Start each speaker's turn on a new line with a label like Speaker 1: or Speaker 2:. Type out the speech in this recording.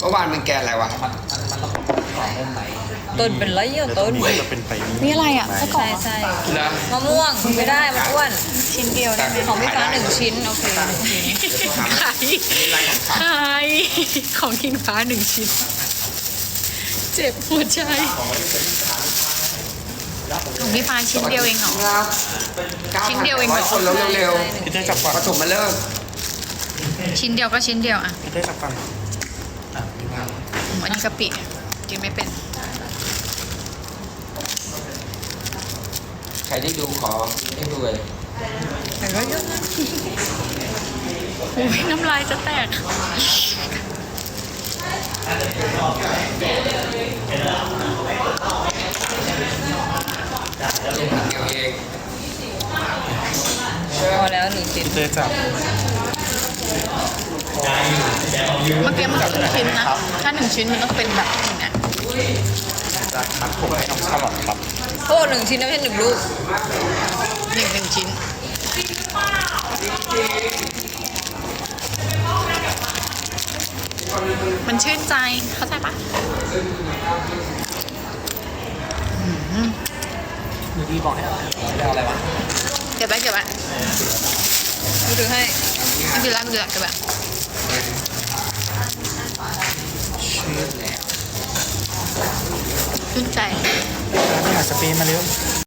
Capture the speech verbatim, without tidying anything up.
Speaker 1: เมื่อวานมันแกนอะไรวะ
Speaker 2: ต้นเป็นไรอ่ะต้น
Speaker 3: จะเป็นไป
Speaker 4: นี่อะไรอ่ะไส้กรอก
Speaker 2: ใช่
Speaker 4: เหรอ
Speaker 2: ใช่
Speaker 1: เหรอ
Speaker 2: มะม่วงไม่ได้มันอ้วน
Speaker 4: ชิ้นเดียวได้ไหม
Speaker 2: ของพี่ฟ้าหนึ่งชิ้นโอเคหนึ่งชิ้น
Speaker 4: ขายขายของกินฟ้าหนึ่งชิ้น เจ็บหัวใจของพี่ฟ้าชิ้นเดียวเองเหรอ
Speaker 1: ครับ
Speaker 4: ชิ้นเดียวเองเหรอ
Speaker 1: คนแล้วเร็ว
Speaker 3: พี่เต้จับก่อน
Speaker 1: ๆปฐมมาเริ่ม
Speaker 4: ชิ้นเดียวก็ชิ้นเดียวอ่ะ
Speaker 3: พี่เต้จับก่อน
Speaker 4: อืมอันนี้กะปิเนี่ยกินไม่เป็น
Speaker 1: ใครที่ดูขอให้ดูเลย
Speaker 2: แต่ก็เยอะนะ
Speaker 4: โอ้ยน้ำลายจะแตก
Speaker 1: เดียวเอง
Speaker 2: พอแล้วหนึ่งชิ้น
Speaker 3: พี่เต้จับ
Speaker 4: เมื่อกี้มันครึ่งชิ้นนะ ถ้าหนึ่งชิ้นมันต้องเป็นแบบนี้นะ
Speaker 3: จากมัดผมให้น้องชาลอตครับ
Speaker 2: โอ้หนึ่งชิ้นไม่ใช่หนึ่งลูก
Speaker 4: หนึ่งหนึ่งชิ้น มันชื่นใจ เข้าใจปะ
Speaker 3: หนูดีบอกให้เอาเอาอะไรวะ
Speaker 4: เก็บไว้เก็บไว้
Speaker 2: ดูถือให้
Speaker 4: ไม่เป็นไรไม่เป็นไรเก็บไว้ชื่นใจ
Speaker 3: แล้วไปหาสเปรย์มาเร็ว